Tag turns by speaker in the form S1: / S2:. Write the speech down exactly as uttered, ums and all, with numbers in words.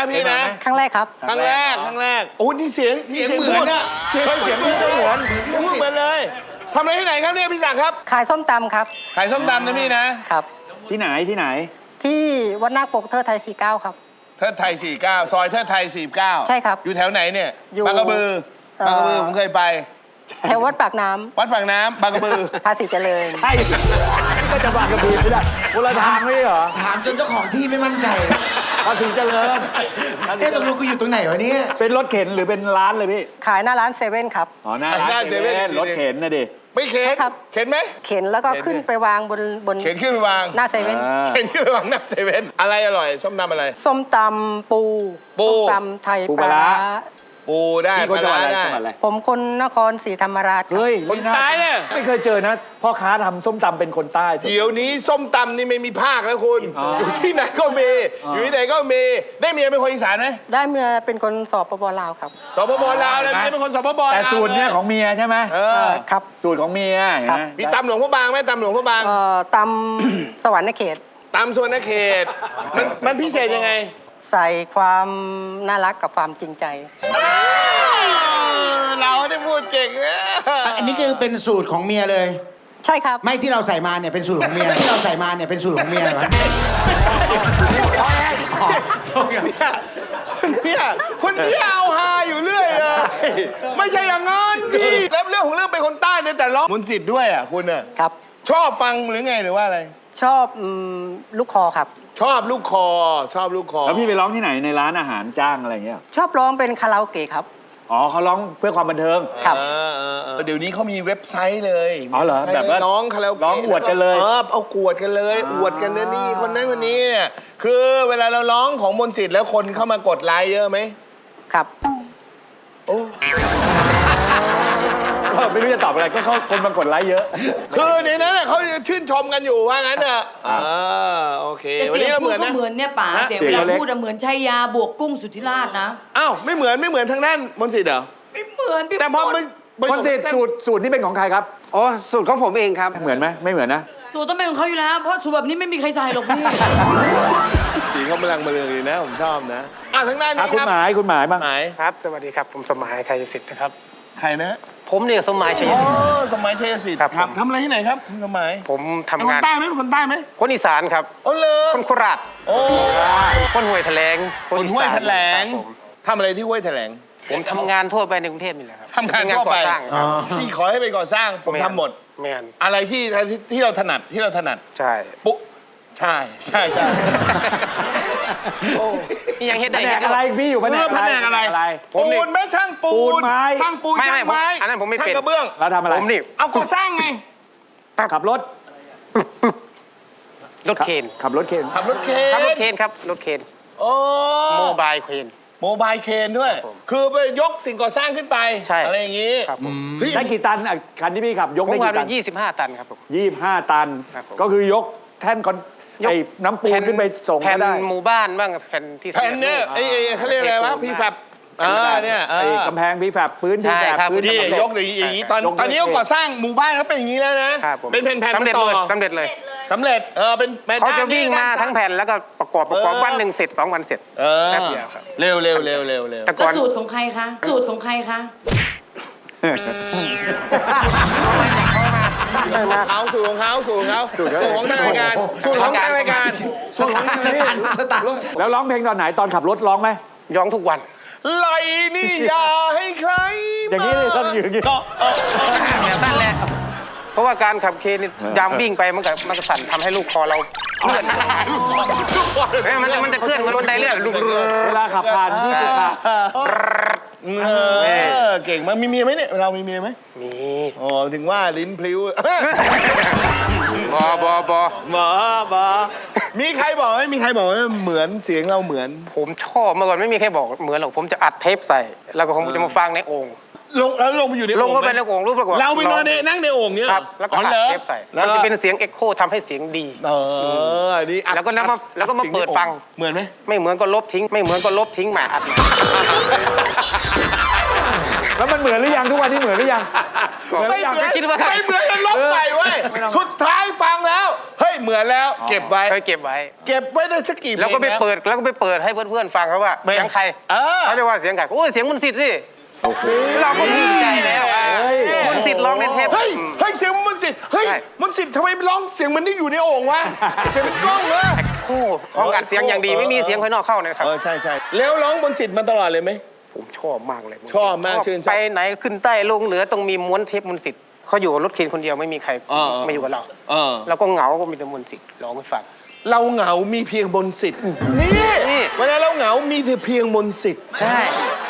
S1: นะพี่นะ
S2: ครั้งแรกครับ
S1: ครั้งแรกครั้งแรกโอ้นี่เสียง
S3: เสียงเหมือนอะ
S1: เสียงเสียงพี่ก็เหมือนพูดเหมือนเลยทำอะไรที่ไหนครับเนี่ยพี่ศักดิ์ครับ
S2: ขายส้มตำครับ
S1: ขายส้มตำนะพี่นะครับ
S4: ที่ไหนที่ไหน
S2: ที่วัดนาคปกเทอไทยสี่สิบเก้าครับ
S1: เทิดไทยสี่สิบเก้าซอยเทิดไทยสี่สิบเก้า
S2: ใช่ครับ
S1: อยู่แถวไหนเนี่ย
S2: อยู่
S1: บางกระบือ
S2: เอ่อ
S1: บางกระบือผมเคยไป
S2: แถววัดปากน้ำ
S1: วัดฝั่งน้ำบางกระบือ
S2: ภาษีเจริญ
S4: ใช่ก็จะบางกระบือไม่ได้คนละทางไม่ใช่เหรอ
S3: ถามจนเจ้าของที่ไม่มั่นใจ
S4: ภาษีเจริญ
S3: เอ๊ะตกลงกูอยู่ตรงไหนวะเนี่ย
S4: เป็นรถเข็นหรือเป็นร้านเลยพี่
S2: ขายหน้าร้านเซเว่นครับ
S4: อ๋อหน้าร้านเซเว่นรถเข็นนะดิ
S1: ไม่เข็น
S2: ใช่ครับ
S1: เข็นไหม
S2: เข็นแล้วก็
S1: เข็น
S2: ขึ้นไปวางบนบน
S1: เข็นขึ้นไปวาง
S2: หน้าเซเว่น
S4: อ่า
S1: เข็นขึ้นไปวางหน้าเซเว่นอะไรอร่อยส้มตำอะไร
S2: ส้มตำปู
S1: ปู
S2: ส้มตำไทย
S4: ปู
S2: ป
S4: ปลา
S2: ลา
S4: ร้า
S2: ร้า
S1: ปูได้
S4: พี่
S1: ป
S4: คน
S1: ลา
S4: จังหวั
S1: ร้า
S4: ดอะไร
S1: ได้
S4: จังหวัดอะไร
S2: ผมคนนครศรีธรรมราชครับ
S4: เฮ้ย
S1: คนใต้เนี่ย
S4: ไม่เคยเจอนะพ่อค้าทำส้มตำเป็นคนใต้
S1: เดี๋ยวนี้ส้มตำนี่ไม่มีภาคแล้วคุณ
S4: อ๋อ
S1: อ
S4: อยู่
S1: ที่ไหนก็มี
S4: อ๋อ
S1: อ
S4: อยู่
S1: ที่ไหนก็มีได้เมียเป็นคนอีสานไหม
S2: ได้เมียเป็นคนสอบปปลาวครับ
S1: สปปลาวเลยเมียเป็นคนสปปลาว
S4: แต่สูตรเนี่ยของเมียใช่ไหม
S1: เออ
S2: ครับ
S4: สูตรของเมียเห็น
S2: ครับ
S4: ไหม
S1: มีตำหลวงพระบางไหมตำหลวงพระบาง
S2: เอ่อตำ สวรรค์เขต
S1: ตำส่วนเขตมันมันพิเศษยังไง
S2: ใส่ความน่ารักกับความจริงใจ
S1: เราได้พูดเก่งนะ
S3: อันนี้คือเป็นสูตรของเมียเลย
S2: ใช่ครับ
S3: ไม่ที่เราใส่มาเนี่ยเป็นสูตรของเมีย ที่เราใส่มาเนี่ยเป็นสูตรของเมียเหรอวะอ๋อโทษครับ
S1: คนเนี้ยคนเนี้ยเอาฮาอยู่เรื่อยเลยไม่ใช่อย่างนั้นพี่แล้วเรื่องของเรื่องเป็นคนใต้เนี่ยแต่ร้องมนต์สิทธิ์ด้วยอ่ะคุณอ่ะ
S2: ครับ
S1: ชอบฟังหรือไงหรือว่าอะไร
S2: ชอบอืมลูกคอครับ
S1: ชอบลูกคอ ชอบลูกคอ
S4: แล้วพี่ไปร้องที่ไหนในร้านอาหารจ้างอะไรอย่างเงี้ย
S2: ชอบร้องเป็นคาราโอเกะครับ
S4: อ๋อเขาร้องเพื่อความบันเทิง
S2: ครับ
S1: เออเออเออเดี๋ยวนี้เขามีเว็บไซต์เลย
S4: อ๋อเหรอ
S1: ว็ไซต์
S4: แบบว่า
S1: น้องคาราโอเกะ
S4: ร้องอวดกันเลย
S1: เออเอากวดกันเลย
S4: อ๋อ
S1: อวดกันนะนี่คนนั้นคนนี้เนี่ยคือเวลาเราร้องของมนต์สิทธิ์แล้วคนเข้ามากดไลค์เยอะไหม
S2: ครับ
S1: โอ้
S4: เออไม่รู้จะตอบอะไรก็เขาคนมากดไลค์เยอะ
S1: คือในนั้นน่ะเขาชื่นชมกันอยู่ว่างั้นเถอะอ่าโอเค
S5: แต่
S1: วัน
S5: เสีย
S1: นี้
S5: ง
S1: เรา
S5: พู
S1: เห
S5: ด
S1: มือน
S5: ก็
S1: นะ
S5: เหมือนเนี่ยป๋า
S1: ฮะ
S5: เสียง
S4: เสียง
S5: เวลา
S4: เล็ก
S5: พูดอะเหมือนชัยยาบวกกุ้งสุทธิราชนะ
S1: อ้าวไม่เหมือนไม่เหมือนทางด้านมนต์สิทธิ์เหรอ
S5: ไม่เหมือนพี่
S1: แต่พอ
S5: พูด
S1: มันมัน
S4: คนเสร็จสูตรสูตรนี่เป็นของใครครับ
S6: อ๋อสูตรของผมเองครับ
S4: เหมือนไหมไม่เหมือนนะ
S5: สูตรต้องเป็นของเขาอยู่แล้ว เพราะสูตรแบบนี้ไม่มีใครใส่หรอกพี่
S1: สีเขากำลังมาเรืองดีนะผมชอบนะอ่ะทางด้าน
S4: อ่ะ
S1: นี้
S4: คุณ
S1: ครับ
S4: หมายคุณหมายบ้าง
S1: หมาย
S6: ครับ สวัสดีครับ ผมสมหมายชัยสิทธิ์นะครับ
S1: ใครนะ
S6: ผมเนี่ยสมหมายชัย
S1: อ๋อ
S6: สิทธิ์
S1: สมัยชัยสิทธิ์
S6: ครับผม
S1: ทำอะไรที่ไหนครับคุณสมัย
S6: ผมทำ
S1: เป็นค
S6: งาน
S1: นใต้ไหมเป็นคนใต้ไหม
S6: คนอีสานครับ
S1: โอ้เลย
S6: คนโคราช
S1: โอ้
S6: คนห้วยแถลง
S1: คน
S6: อี
S1: ห้วย
S6: สาน
S1: แถลง
S6: ครับผม
S1: ทำอะไรที่ห้วยแถลง
S6: ผมทำงานทั่วไปในกรุงเทพนี่แหละครับ
S1: ทำงานทั่วไป
S6: เป็นก่อสร้างค
S3: อ๋อ
S6: รับ
S1: ที่ขอให้เป็นก่อสร้างผมทำหมด
S6: แมน
S1: อะไรที่ที่ที่เราถนัดที่เราถนัด
S6: ใช่
S1: ปุ๊ใช่ใช่ใช่
S6: นี่ยังเฮ็ด
S4: แผ
S6: ได้
S4: น
S6: เฮ็
S4: ก
S6: ด
S4: อะไร
S6: ได้
S4: พี่อยู่แผน
S1: เอก อ
S4: อะไร
S1: แผนกอะไร
S4: อะไร
S6: ผมนี่
S1: ปูนไหมช่างปู
S4: ปูนไม้
S1: ช่างปูน
S6: ไม่
S1: ช่าง
S6: ไม่
S1: ไม้
S6: ผมอันนั้นผมไม่
S1: ช่าง
S6: เป็น
S1: กระเบื้อง
S4: เราทำอะไร
S6: ผมนี่
S1: เอาก่อสร้างไง
S4: ขับรถ
S6: รถเคน
S4: ขับรถเคน
S1: ขับรถเคน
S6: ครับรถเคนครับรถเคน
S1: โอ้
S6: โมบายเคน
S1: โมบายเคนด้วย
S6: ครับผม
S1: คือไปยกสิ่งก่อสร้างขึ้นไป
S6: ใช่
S1: อะไรอย่างนี้
S6: ครับผม
S1: เฮ้ย
S4: ได้กี่ตันอ่ะคันที่พี่ขับยก
S6: ผม
S4: ได้
S6: ว่า
S4: กี่ตั
S6: เป็น นยี่สิบห้าตันครับผม
S4: ยี่สิบห้าตัน
S6: ครับผม
S4: ก็คือยกแท่นคอน
S6: ยก
S4: ไอ้น้ำปูนขึ้นไปส่ง
S6: แผ่
S4: ก็
S6: น
S4: ได้
S6: หมู่บ้านบ้างแผ่นที่
S1: แผ่นเนี่ยไอ้ไอ้เขาเรียกอะไรวะพีแฟบอ่าเนี่ยเอ
S4: ไอ้
S1: อก
S4: ำแพงพีแฟบพื้นพี
S6: ใช่
S4: แฟบ
S6: ครับ
S4: พื้น
S1: นี่
S4: สำเร็จ
S1: ยกอย่างนี้อย่างนี้ตอน
S4: ยกด้วย
S1: ตอนนี้ก็ก่อสร้างหมู่บ้านเขาเป็นอย่างนี้แล้วนะครับ
S6: ผม
S1: เป็นแผ่นๆ
S6: สำเร็จ
S1: ต่อ
S6: เลยสำเร็จเลย
S1: สำเร็จเออเป็นแผ่น
S6: เขาจะวิ่งมา
S1: ด้น
S6: ทั้งแผ่นแล้วก็ประกอบประกอบ
S1: เออ
S6: วันหนึ่งเสร็จสองวันเสร็จ
S1: เออ
S6: แป๊บเดียวครับ
S1: เร็วเร็วเร็วเร็วเร็ว
S6: แต่ก่
S5: แล้
S6: อ
S5: วน สูตรของใครคะ สูตรของใครคะ
S1: เขาสูตรของเขาสูตรของเขาสูตรของทางรายการสูตรของทางรายการ
S3: สตันสตันสตัน
S4: แล้วร้องเพลงตอนไหนตอนขับรถร้องไหม
S6: ย้องทุกวัน
S1: ไหลนี่อย่าให้ใคร
S4: อย่างนี้เลยต้องอยู่อย่างนี้
S1: ก็เออ
S6: แบบนั้นแหละเพราะว่าการขับเคนี่ยามวิ่งไปมันก็มันก็สั่นทำให้ลูกคอเราเคลื่อนเอ้ยมันจะมันจะเคลื่อนเหมันบันไดเลื่อน
S4: เวลาขับผ่านที่สุขา
S1: เออเก่งมากมีเมียไหมเนี่ยเรามีเมียไหม
S6: มี
S1: อ๋อถึงว่าลิ้นพลิ้ว
S6: บอบอบอ
S1: หมอหมอมีใครบอกไหมมีใครบอกว่าเหมือนเสียงเราเหมือน
S6: ผมชอบเมื่อก่อนไม่มีใครบอกเหมือนหรอกผมจะอัดเทปใส่ แล้วก็คงจะมาฟังในโอ่ง
S1: ลงแล้วลงไปอยู่ใน
S6: ลงก็
S1: โอ่งหม
S6: ไปในโอ่งรูปปรากฏ
S1: เราไปนอนในนั่งในโอ่งเนี่ย
S6: ครับแล้วก็
S1: อ๋อ
S6: อัด
S1: เหรอ
S6: เทปใส่
S1: แล้ว
S6: มันจะเป็นเสียงเอ็กโคทำให้เสียงดี
S1: เอออันนี้อัด
S6: แล้วก็แล้วมาแล้วก็มา
S1: อั
S6: เปิดฟัง
S1: เหมือนไหม
S6: ไม่เหมือนก็ลบทิ้ง ไม่เหมือนก็ลบทิ้งใหม่อัดใหม่
S4: แล้วมันเหมือนหรือยังทุกวันนี้เหมือนหรือยัง
S1: ไม่เหมือน
S6: คิดว่า
S1: ไม่เหมือนกันลบไปเว้ย
S4: ไม่ต้อง
S1: สุดท้ายฟังแล้วเฮ้ยเหมือนแล้วเก็บไว้
S6: เคยเก็บไว้
S1: เก็บไว้ได้สักกี่เพลง
S6: แล้วก็ไป
S1: นะ
S6: เปิดแล้วก็ไปเปิดให้เพื่อนๆฟังเขาว่า
S1: ไม่
S6: เสียงใคร
S1: เออ
S6: เขาจะว่าเสียงใครโอ้ยเสียงมนต์สิทธิ์สิเราก็ภูมิใจแล้วอ่ะมนต์สิทธิ์ร้องในเทป
S1: เฮ้ยเฮ้ยเสียงมนต์สิทธิ์เฮ้ย
S6: ใช่
S1: มนต์สิทธิ์ทำไมไม่ร้องเสียงเหมันนี่อยู่ในโอ่งวะเสียงเป็นกล้องเลย
S6: คู่ห้องอัดเสียงอย่างดีไม่มีเสียงภายนอกเข้านะครับ
S1: เออใช่ใช่แล้วร้องมนต์สิทธิ์มาตลอดเลยไหม
S6: ผมชอบมากเลย
S1: ชอบมากชื่นชอบ
S6: ไปไหนขึ้นใต้ลงเหนือต้องมีม้วนเทปมนต์สิทธิ์เขาอยู่กับรถเคนคนเดียวไม่มีใคร
S1: เออเออ
S6: มาอยู่กับเรา
S1: เออ
S6: เราก็เหงาก็มีแต่มนต์สิทธิ์ร้องให้ฟัง
S1: เราเหงามีเพียงมนต์สิทธิ์นี่
S6: นี่
S1: เวลาเราเหงามีแต่เพียงมนต์สิทธิ์
S6: ใช่